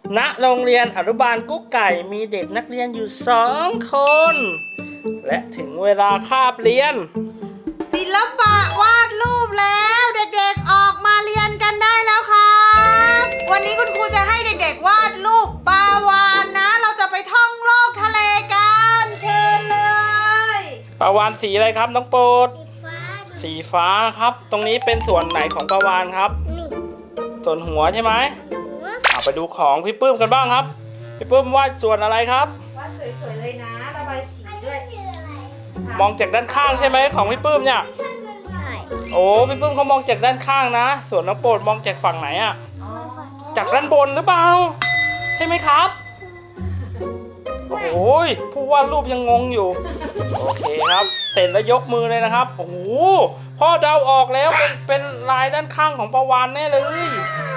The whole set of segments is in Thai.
ณโรงเรียนอนุบาลกุ๊กไก่มีเด็กนักเรียนอยู่2 คน และถึงเวลาคาบเรียนศิลปะวาดรูปแล้วเด็กๆออกมาเรียนกันได้แล้วครับวันนี้คุณครูจะให้เด็กๆวาดรูปปลาวาฬนะเราจะไปท่องโลกทะเลกันเชิญเลยปลาวาฬสีอะไรครับน้องโปรดสีฟ้าครับตรงนี้เป็นส่วนไหนของปลาวาฬครับส่วนหัวใช่ไหมไปดูของพี่ปื้มกันบ้างครับพี่ปื้มวาดส่วนอะไรครับวาดสวยๆเลยนะระบายสีด้วยมองจากด้านข้างใช่ไหมของพี่ปื้มเนี่ยโอ้พี่ปื้มเขามองจากด้านข้างนะส่วนน้องโปรดมองจากฝั่งไหนอะจากด้านบนหรือเปล่าใช่ไหมครับโอ้โหผู้วาดรูปยังงงอยู่โอเคครับเสร็จแล้วยกมือเลยนะครับโอ้โหพ่อเดาออกแล้วเป็นลายด้านข้างของปลาวาฬแน่เลย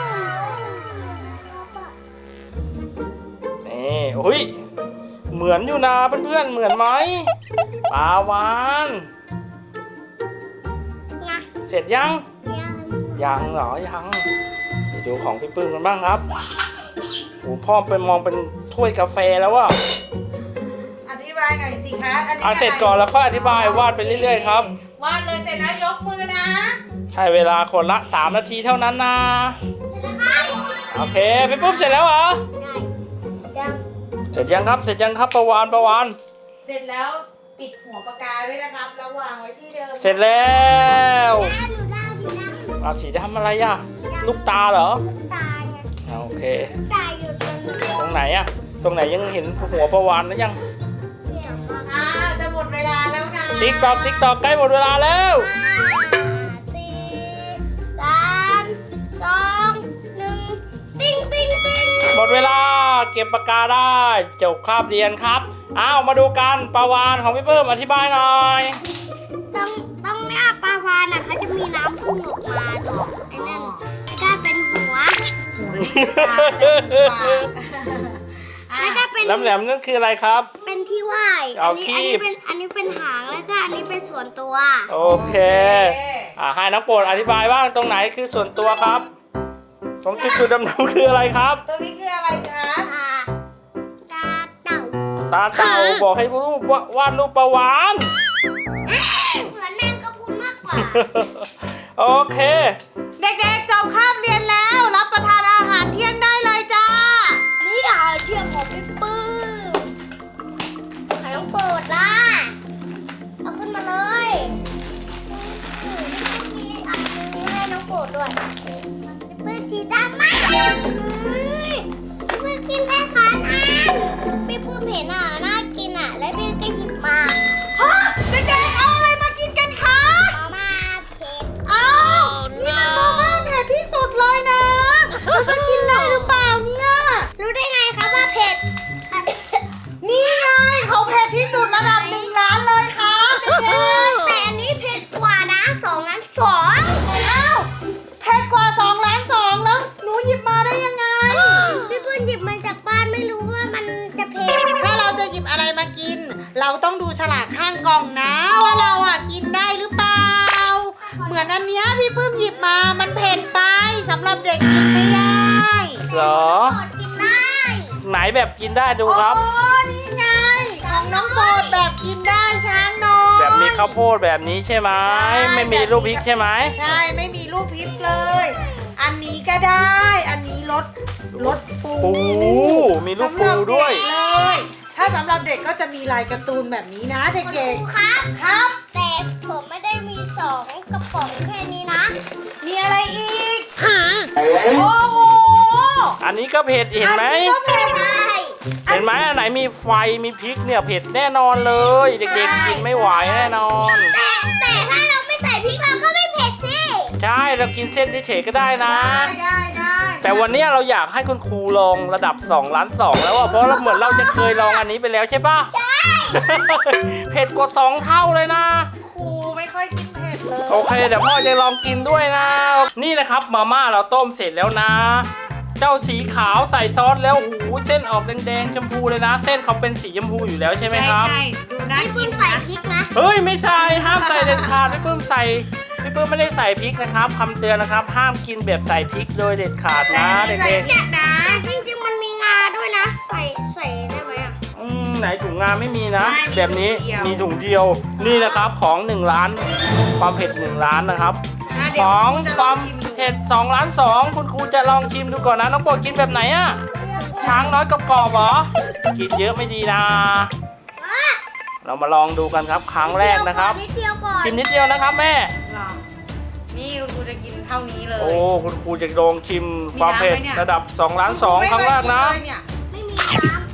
นี่โอ้ยเหมือนอยู่นะเพื่อนๆเหมือนไหมปลาวาฬเสร็จยังเหรอยังไปดูของพี่ปื้มกันบ้างครับโอ้พ่อไปมองเป็นถ้วยกาแฟแล้วว่ะอธิบายหน่อยสิคะอันนี้เสร็จก่อนแล้วค่อยอธิบายวาดไปเรื่อยๆครับวาดเลยเสร็จแล้วยกมือนะให้เวลาคนละ3 นาทีเท่านั้นนะโอเคพี่ปื้มเสร็จแล้วเหรอเสร็จยังครับปลาวาฬเสร็จแล้วปิดหัวปากกาด้วยนะครับแล้ววางไว้ที่เดิมเสร็จแล้วเอาสีดำอะไรอ่ะลูกตาเหรอโอเคตรงไหนอ่ะตรงไหนยังเห็นหัวปลาวาฬหรือยังจะหมดเวลาแล้วนะติ๊กตอกใกล้หมดเวลาแล้ว 4 3 2 1ติ๊งหมดเวลาเก็บปากกาได้จบคาบเรียนครับมาดูกันปลาวาฬของพี่เพิ่มอธิบายหน่อยต้องหน้าปลาวาฬน่ะเขาจะมีน้ำพุ่งออกมาตรงไอ้นั่นแล้วก็เป็นหัวแล้วก็เป็นแหลมนั่นคืออะไรครับเป็นที่ว่ายเอาคีบอันนี้เป็นหางแล้วก็อันนี้เป็นส่วนตัวโอเคให้น้องโปรดอธิบายว่าตรงไหนคือส่วนตัวครับตรงจุดดำๆคืออะไรครับตรงนี้คืออะไรคะตาเต่าบอกให้วาดรูปปลาวาฬเหมือนแมงกะพรุนมากกว่าโอเคเด็กๆจบคาบเรียนแล้วรับประทานอาหารเที่ยงได้เลยจ้านี่อาหารเที่ยงของพี่ปื้มไข่ต้องเปิดล่ะเอาขึ้นมาเลยมีอันนี้ให้น้องโปรดด้วยเพื่อนสีดำมากเพื่อนกินแค่คันพี่ปื้มเห็นน่ากินแล้วพี่ก็หยิบมาเด็กๆเอาอะไรมากินกันคะมาม่าเผ็ดนี่มันมาม่าเผ็ดที่สุดเลยนะเราจะกินได้หรือเปล่าเนี่ยรู้ได้ไงคะว่าเผ็ดนี่ไงเขาเผ็ดที่สุดระดับ1 ล้านเลยครับเด็กๆแต่อันนี้เผ็ดกว่านะ2 ล้าน 2เผ็ดกว่า2 ล้าน 2แล้วหนูหยิบมาได้ยังไงพี่ปุ้นหยิบมาจากบ้านไม่รู้ว่ามันจะเผ็ดถ้าเราจะหยิบอะไรมากินเราต้องดูฉลากข้างกล่องนะว่าเรากินได้หรือเปล่าเหมือนอันเนี้ยพี่ปื้มหยิบมามันเผ็ดไปสำหรับเด็กกินไม่ได้เหรอกินได้ไหนแบบกินได้ดูครับนี่ไงของน้องโปรดแบบกินได้ช้างน้อยแบบมีข้าวโพดแบบนี้ใช่ไหมไม่มีลูกพริกใช่ไหมใช่ไม่มีลูกพริกเลยอันนี้ก็ได้อันนี้รสปูมีลูกปูด้วยเลยถ้าสำหรับเด็กก็จะมีลายการ์ตูนแบบนี้นะเด็กๆครับแต่ผมไม่ได้มี2 กระป๋องแค่นี้นะมีอะไรอีกโอ้โหอันนี้ก็เผ็ดเห็นไหมเห็นไหมอันไหนมีไฟมีพริกเนี่ยเผ็ดแน่นอนเลยเด็กๆกินไม่ไหวแน่นอนแต่ถ้าเราไม่ใส่พริกเราก็ไม่เผ็ดสิใช่เรากินเส้นเฉยๆก็ได้นะได้แต่วันนี้เราอยากให้คุณครูลองระดับ2 ล้าน 2แล้วเพราะเหมือนเราจะเคยลองอันนี้ไปแล้วใช่ปะใช่เผ็ดกว่า2 เท่าเลยนะครูไม่ค่อยกินเผ็ดเลยโอเคเดี๋ยวพ่อจะลองกินด้วยนะนี่นะครับมาม่าเราต้มเสร็จแล้วนะเจ้าสีขาวใส่ซอสแล้วเส้นออกแดงๆชมพูเลยนะเส้นเขาเป็นสีชมพูอยู่แล้วใช่ไหมครับใช่ดูน่ากินใส่พริกนะเฮ้ยไม่ใส่ห้ามใส่เด็ดขาดพี่ปื้มไม่ได้ใส่พริกนะครับคำเตือนนะครับห้ามกินแบบใส่พริกโดยเด็ดขาดนะเด็กๆนะจริงๆมันมีงาด้วยนะ ใส่ได้ไหมอ่ะไหนถุงงานไม่มีนะไม่มีแบบนี้ถุงเดียวมีถุงเดียวนี่นะครับของ1 ล้านความเผ็ด1 ล้านนะครับเดี๋ขยวองคุณจะคลอวาง มชิมดูเผ็ด2 ล้าน 2คุณครูจะลองชิมดูก่อนนะน้องโปรดกินแบบไหนอะช้างน้อยกรอบๆเหรอกินเยอะไม่ดีนะ เรามาลองดูกันครับครั้งแรกนะครับนิดเดียวก่อนชิมนิดเดียวนะครับแม่หรอนี่คุณครูจะกินเท่านี้เลยโอ้คุณครูจะลองชิมความเผ็ดมีน้ำไหมเนี่ยระดับ2 ล้าน 2ครั้งแรกนะไม่เคยกิเลยเนี่ยไม่มีน้ำ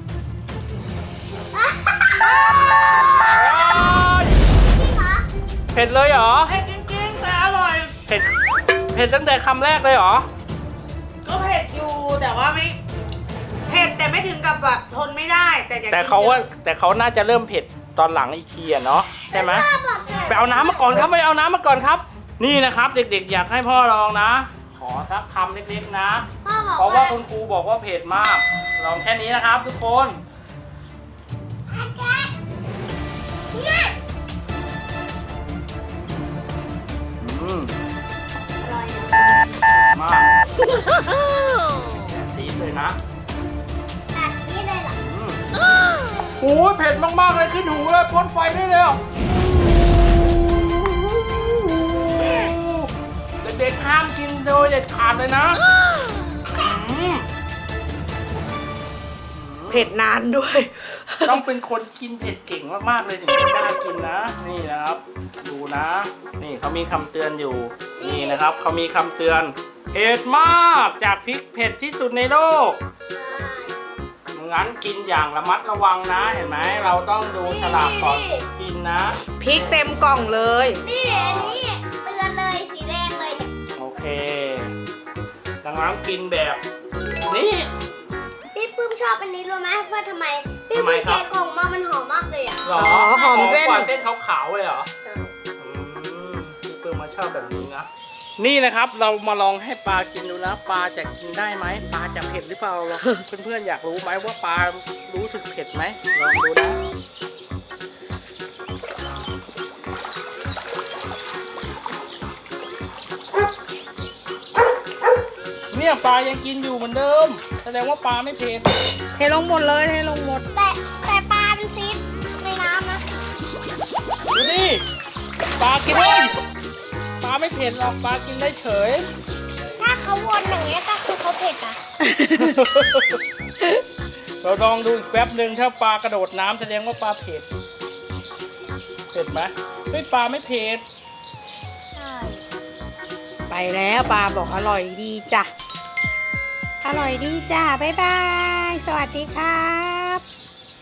จริงเหรอเผ็ดเลยเหรอเผ็ดจริงๆแต่อร่อยเผ็ดตั้งแต่คำแรกเลยเหรอก็เผ็ดอยู่แต่ว่าไม่เผ็ดแต่ไม่ถึงกับแบบทนไม่ได้แต่อยากกินแต่เขาน่าจะเริ่มเผ็ดตอนหลังอีกทีอะเนาะใช่ไหมพ่อบอกเถอะไปเอาน้ำมาก่อนครับไปเอาน้ำมาก่อนครับ นี่นะครับ เด็กๆ อยากให้พ่อลองนะ ขอสักคำเล็กๆนะพ่อบอกเพราะว่าคุณครูบอกว่าเผ็ดมาก ลองแค่นี้นะครับ ทุกคนอืมอร่อยนะมากซีดเลยนะตัดนี่เลยเหรอโอ้ยเผ็ดมากๆเลยขึ้นหูเลยพ่นไฟได้เลยอ่ะเด็กๆห้ามกินโดยเด็ดขาดเลยนะอืมเผ็ดนานด้วยต้องเป็นคนกินเผ็ดเก่งมากๆเลยถึงจะกล้ากินนะ นี่นะครับ ดูนะ นี่เขามีคำเตือนอยู่ นี่นะครับเขามีคำเตือนเผ็ดมากจากพริกเผ็ดที่สุดในโลกงั้นกินอย่างระมัดระวังนะเห็นไหมเราต้องดูฉลากก่อนกินนะพริกเต็มกล่องเลยนี่อันนี้เตือนเลยสีแดงเลยเนี่ยโอเคดังนั้นกินแบบนี้พี่ปื้มชอบอันนี้รู้ไหมว่าทำไมพี่ทำไมปื้มครับแกะกล่องมามันหอมมากเลยอ่ะหรอหอมเส้นกว่าเส้นขาวๆเลยเหรอพี่เปิ้ลมาชอบแบบนี้นะนี่นะครับเรามาลองให้ปลากินดูนะปลาจะกินได้ไหมปลาจะเผ็ดหรือเปล่าเพื่อนๆอยากรู้ไหมว่าปลารู้สึกเผ็ดไหมลองดูนะเนี่ยปลายังกินอยู่เหมือนเดิม แสดงว่าปลาไม่เผ็ดเทลงหมดเลยเทลงหมดแต่ปลาเป็นซีดในน้ำนะดูดิปลากินได้ปลาไม่เผ็ดหรอกปลากินได้เฉยถ้าเขาวนอย่างเงี้ยก็คือเขาเผ็ดอ่ะเราลองดูอีกแป๊บหนึ่งถ้าปลากระโดดน้ำแสดงว่าปลาเผ็ดเผ็ดไหมไม่ปลาไม่เผ็ดใช่ไปแล้วปลาบอกอร่อยดีจ้ะ อร่อยดีจ้ะ บ๊ายบาย สวัสดีครับ